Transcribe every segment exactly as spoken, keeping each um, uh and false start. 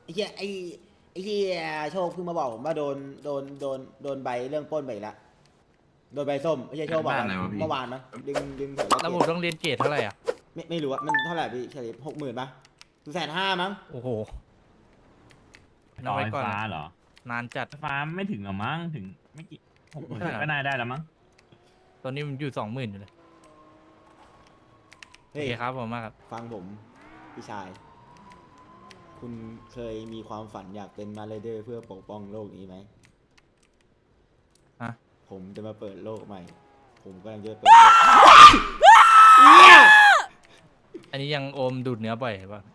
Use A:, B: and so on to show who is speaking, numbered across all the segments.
A: อ้เหี้ยไอ้ไอ้เหี้ยโชคเพิ่งมาบอกผมว่าโดนโดนโดนโดนใบเรื่องปล้นไปอีกแล้วโดนใบส้มไอ้เหี้ยโชคบอกว่าเมื่อวานมั้งดึงดึง
B: แล้วผมต้องเรียนเกรดเท่าไหร่อ่ะ
A: ไม่ไม่รู้อะมันเท่าไหร่พี่เฉลี่ยหกหมื่นป่ะแสนห้ามั้ง
B: โอ้โห
C: ต่
B: เอา
C: อ
B: ไว้
C: ไฟ
B: ก่อน
C: ฟ้า
B: อะ
C: เหรอ
B: นานจัด
C: ไฟฟ้าไม่ถึงหรอมั้งถึงไม่กี่หกหมื่น
B: ไม่ถึง
C: ก็น่าได้แล้วมั้ง
B: ตอนนี้มันอยู่สองหมื่นอยู่เลยโอ
A: เฮ้ย
B: เคครับผมมากครับ
A: ฟังผมพี่ชาย คุณเคยมีความฝันอยากเป็นมาเลเดอร์เพื่อปกป้องโลกนี้ไหม
B: ฮะ
A: ผมจะมาเปิดโลกใหม่ ผมกำลังจะเปิดโลกเนี่ย
B: อันนี้ยังโอมดูดเนื้อบ่อยป่ะ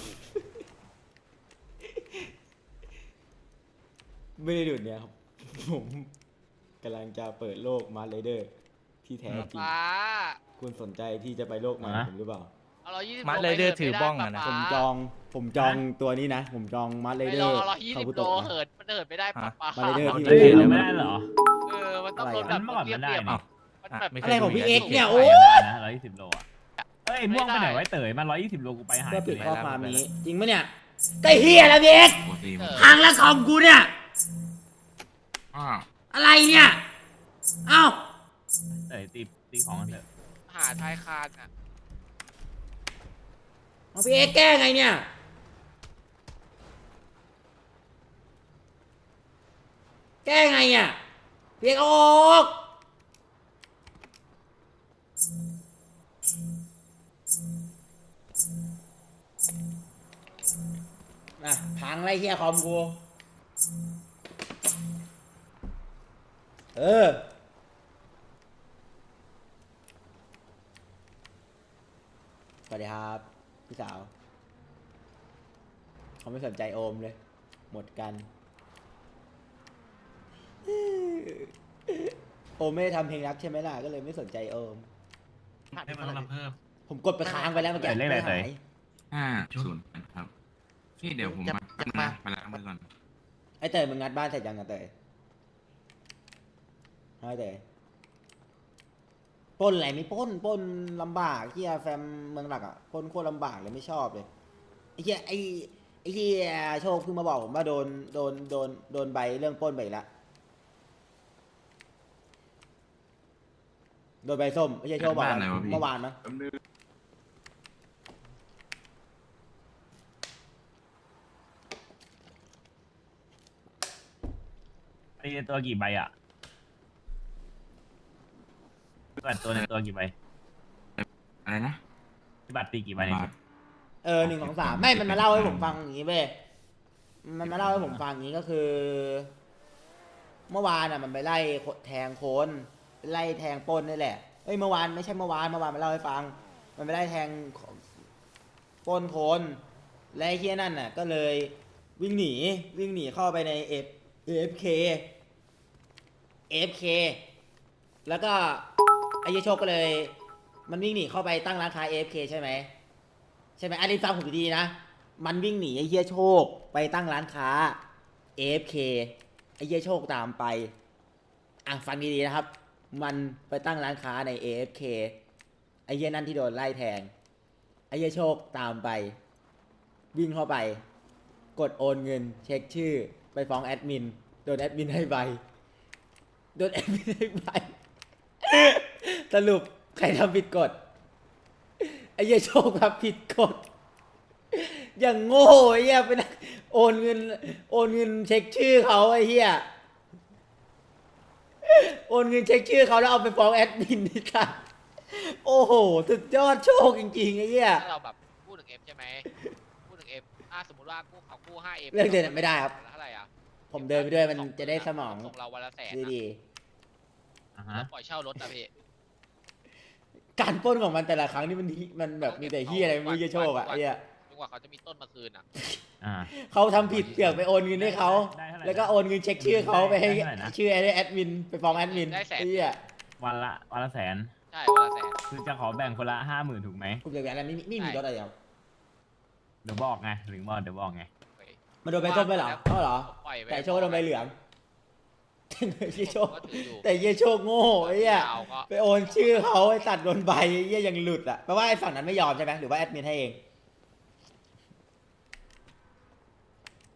A: ไม่ได้ดูดเนี่ยครับ ผมกำลังจะเปิดโลกมาเลเดอร์ที่แท้จริง
D: ป้า
A: คุณสนใจที่จะไปโลกใหม่ผมหรือเปล่า
D: เอาร้อยยี่สิบ
B: มัดเลยเดอร์ถือบ้องอะนะ
A: ผมจอง ผมจองตัวนี้นะ ผมจองมาเล
D: ไม่
A: เด
D: ล
A: อ
D: อง
A: ร์
D: เอาร้อยยี่
A: คา
D: สิบ
A: บุ
D: โล
A: โตะ
D: เหินมันเหินไม่ได้ป้าป้า
A: มาเลยเดอร์ที่
C: เฮ้ยไม่ได้เหรอ
D: เออมันต้องโดนแบ
C: มั
D: บ
C: นเมื่อก่อนมันได้
D: เรียบๆ
C: นี่
D: อะมันแบบ
B: ไม่เค
A: อะไร
B: ย
A: ของพี่
B: ดู
A: เอ็กซ์เนี่ย
C: ไป
A: โอ้
C: ได้นะร้อยยี่สิบโลอ่ะเอ้ยม่วงไปไหนไว้เต๋ยมันร้อยยี่สิบโลกูไปหาย
A: เพื่อปิด
C: เลย
A: ข้อความนี้ จริงปะเนี่ยไอ้เฮียแล้วพี่เอ็กซ์
D: เออ
A: พังแล้วคอมกูเนี่ย
E: อ้าว
A: อะไรเนี่ย เอ้า
C: เต๋ยตีตีของกันเถอะ
D: หาชายคานอ่ะ
A: เอาพี่เอ็กซ์แก้ไงเนี่ย แก้ไงอ่ะพี่เอ็กซ์ออกน่ะพังไรเฮียคอมกู เออ สวัสดีครับ พี่สาว เขาไม่สนใจโอมเลย หมดกัน โอมไม่ได้ทำเพลงรักใช่ไหมล่ะ ก็เลยไม่สนใจโอม
E: ให้มันต้องเพิ่ม
A: ผมกดไปค้างไปแล้วเมื่อกี้
C: เต๋ยเลขอะไรเต๋ย
A: หาย
E: ห้าศูนย์ครับนี่เดี๋ยวผมมาแป๊บนึงนะมาล้างมือก่อน
A: ไอ้เตยมึงงัดบ้านเสร็จยังอะเตยไอ้เตยปล้นอะไรไม่ปล้นปล้นลำบากเฮียแฟมเมืองหลักอ่ะปล้นโคตรลำบากเลยไม่ชอบเลยไอ้เฮียไอ้ไอ้เฮียโชคเพิ่งมาบอกผมว่าโดนโดนโดนโดนใบเรื่องปล้นไปอีกแล้วโดนใบส้มไอ้เฮียโชคบอกว่าเมื่อวานมั้ง
E: แป๊บนึง
C: ไอ้ตัวกี่ใบอ่ะพี่บัตรตัวในตัวกี่ใบ
E: อะไรนะ
C: พี่บัตรตีกี่ใบเนี่ย
E: บาท
A: เออหนึ่งสองสามไม่มันมาเล่าให้ผมฟังอย่างนี้เว้ยมันมาเล่าให้ผมฟังอย่างนี้ก็คือ เมื่อวานอ่ะมันไปไล่แทงโคนไล่แทงปล้นนี่แหละเอ้ยเมื่อวานไม่ใช่เมื่อวานเมื่อวานมันเล่าให้ฟัง มันไปไล่แทงปล้นโคนและไอ้เฮียนั่นน่ะ ก็เลยวิ่งหนีวิ่งหนีเข้าไปในเอฟเอฟเคเอฟเคแล้วก็ไอ้เหี้ยโชคก็เลย มันวิ่งหนีเข้าไปตั้งร้านค้าเอฟเคใช่ไหมใช่ไหมอันนี้ฟังผมดีๆนะมันวิ่งหนีไอ้เหี้ยโชคไปตั้งร้านค้าเอฟเคไอ้เหี้ยโชคตามไปอ่ะฟังดีๆนะครับ มันไปตั้งร้านค้าใน เอ เอฟ เค ไอ้เหี้ยนั่นที่โดนไล่แทงไอ้เหี้ยโชคตามไป วิ่งเข้าไป กดโอนเงิน เช็คชื่อ ไปฟ้องแอดมินโดนแอดมินให้ใบโดนแอดมินให้ใบ สรุปใครทำผิดกฎไอ้เหี้ยโชคทำผิดกฎอย่างโง่ไอ้เหี้ยไปนั่งโอนเงิน โอนเงินเช็คชื่อเขาไอ้เหี้ยโอนเงินเช็คชื่อเขาแล้วเอาไปฟ้องแอดมินนี่ค่ะโอ้โหสุดยอดโชคจริงๆไอ้เหี้ย
D: ถ้าเราแบบพูดถึงเอฟใช่ไหมพูดถึงเอฟอ่ะสมมติว่ากู้เขากู้ห้าเอฟ
A: เรื่องเดินไม่ได้ครับ
D: เท่าไหร่อ่ะ
A: ผมเดินไปด้วยมันจะได้สมอง
D: ส่งเราวันละแสน
A: ดี
C: อ่า
D: แล้
C: ฮะ
D: วปล่อยเช่ารถนะพี่
A: ๆการปล้นของมันแต่ละครั้งนี่มันมันแบบมีแต่เฮียอะไรไม่รู้เหี้ยโชคอะไอ้เหี้ย
D: จนกว่าเขาจะมีต้นมาคืนอ่ะ
C: อ่า
A: เขาทำผิดเสือกไปโอนเงินให้เขา
C: ได้เท่าไหร่
A: แล้วก็โอนเงินเช็คชื่อเขาไปให้
C: ได้เท่าไหร่นะ
A: ชื่อแอดมินไปฟ้องแอดมิน
D: ได้แสน
A: ไอ้เหี้ย
C: วันละวันละแสน
D: ใช่วันละแสน
C: คือจะขอแบ่งคนละห้าหมื่นถูกไหม
A: ผมจะแบบนั้นไม่ไม่มีรถอะไรครับ
C: เดี๋ยวบอกไงหรือบอกเดี๋ยวบอกไง
D: เฮ้ย
A: มันโดนใบส้มไปเหรอเอ้าเหรอ
D: ผมปล่อยไป
A: แต่โชคโดนใบเหลืองเหี้ยโชค
D: ผมก็ถืออยู่
A: แต่เหี้ยโชคโง่ไอ้เหี้ย
D: ยาวก็
A: ไปโอนชื่อเขาไอ้ตัดโดนใบไอ้เหี้ยยังหลุดอ่ะแปลว่าไอ้ฝั่งนั้นไม่ยอมใช่ไหมหรือว่าแอดมินให้เอง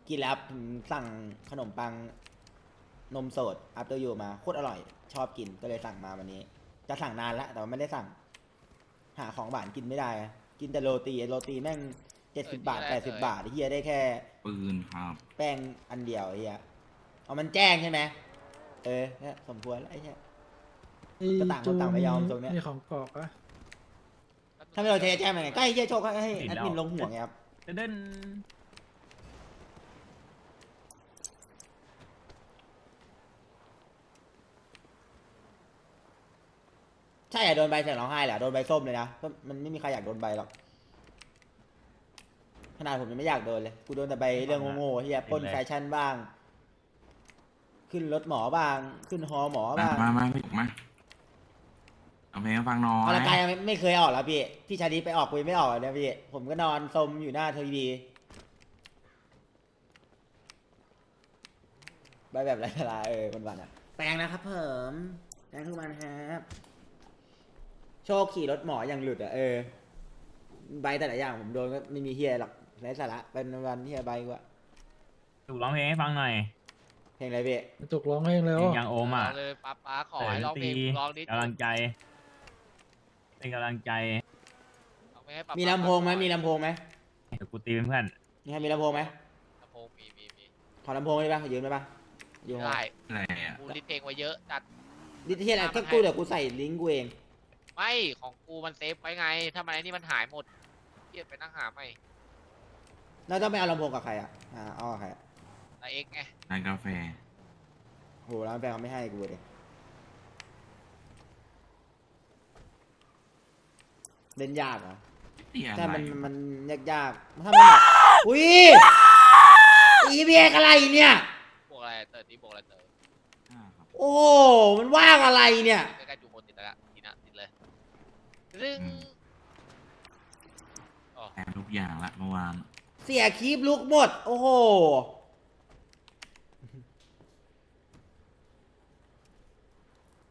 A: กินแล้วผมสั่งขนมปังนมสด after you มาโคตรอร่อย ชอบกินก็เลยสั่งมาวันนี้ จะสั่งนานแล้วแต่ว่าไม่ได้สั่ง หาของหวานกินไม่ได้อะกินแต่โรตีโรตีแม่งเจ็ดสิบบาทแปดสิบบาทไอ้เฮียได้แค่
E: ปืนครับ
A: แป้งอันเดียวไอ้เฮียเอามันแจ้งใช่ไหมเออเนี่ยสมควรแล้วไอ้เฮีย ก็ต่างคนต่างไม่ยอมตรงเนี้ย
F: มีของกรอกอะ
A: ถ้าไม่เราเทแจ้งมันไงก็ให้เฮียโชคให้ให้แอดมินลงหัวไงครับ
C: เดิน
A: ใช่อะโดนใบเสียงร้องไห้แหละโดนใบส้มเลยนะก็มันไม่มีใครอยากโดนใบหรอกขนาดผมยังไม่อยากโดนเลยกูโดนแต่ใบเรื่องโง่ๆเฮียปล้นแฟชั่นบ้าง ขึ้นรถหมอบ้าง ขึ้นฮอหมอ
E: มา
A: บ้าง
E: มามาพี่มาเอาเพลงให้ฟังหน้อ
A: ออกกำลังกาย
E: ย
A: ยังไม่ไม่เคยออกแล้วพี่พี่ชาดีไปออกกูยังไม่ออกเลยนะพี่ผมก็นอนสมอยู่หน้าทีวีใบแบบไรสาระเออวันวันๆอะแปลงนะครับเพิ่มแปลงทุกวันครับโชคขี่รถหมออย่างหลุดอ่ะเออใบแต่ละอย่างผมโดนก็ไม่มีเฮียหรอกไรสาระเป็นวันเฮียใบกว่า
C: ถูกร้องเพลงให้ฟังหน่อย
A: เพลงอะไรพี่
F: จุกร้องเองแล้ว
C: เพลงยังโอมอ่ะ
D: เอาเลยป้าป้าขอให้ร้องเพลงร้องนิด
C: กำลังใจเป็นกำลังใจ
D: เอาไปให้ป๊า
A: มี
D: ป๊า
A: ลำโพงไหมมีลำโพงไหม
C: เดี๋ยวกูตีเป็นเพื่อน
A: นี่ครับมีลำโพงไหม
D: ลำโพงมีมีมี
A: ขอลำโพงได้ปะยืมได้ปะยืม
D: ได้
E: อะไรอ่ะ
D: กูลิสต์เพลงไว้เยอะจัด
A: ดิที่อะไรก็กูเดี๋ยวกูใส่ลิงก์กูเอง
D: ไม่ของกูมันเซฟไว้ไงถ้ามันไอ้นี่มันหายหมดเกียดไปนั่งหาใหม่
A: แล้วต้องไปเอาลำโพงกับใครอ่ะอ่าเอากับใครอะ
D: แต่เอ็กไง
E: ร้านกาแฟ
A: โหร้านแฟนเขาไม่ให้กูเลยเล่นยากเหรอ
E: เตี้ยอะ
A: ใช่
E: ไร
A: มันมันยากยากๆถ้ามันแบบอุ้ยอีเบียอะไรเนี่ย
D: บวกอะไรเติร์ดนี้บวกอะไรเติร์ด
E: อ่าครับ
A: โอ้โหมันว่างอะไรเนี่ย
D: ใกล้ๆจูโมติดแล้วละทีนะติดเลยรึงอ๋อ
E: แทนทุกอย่างละเมื่อวาน
A: เสียคลิปลุกหมด โอ้โห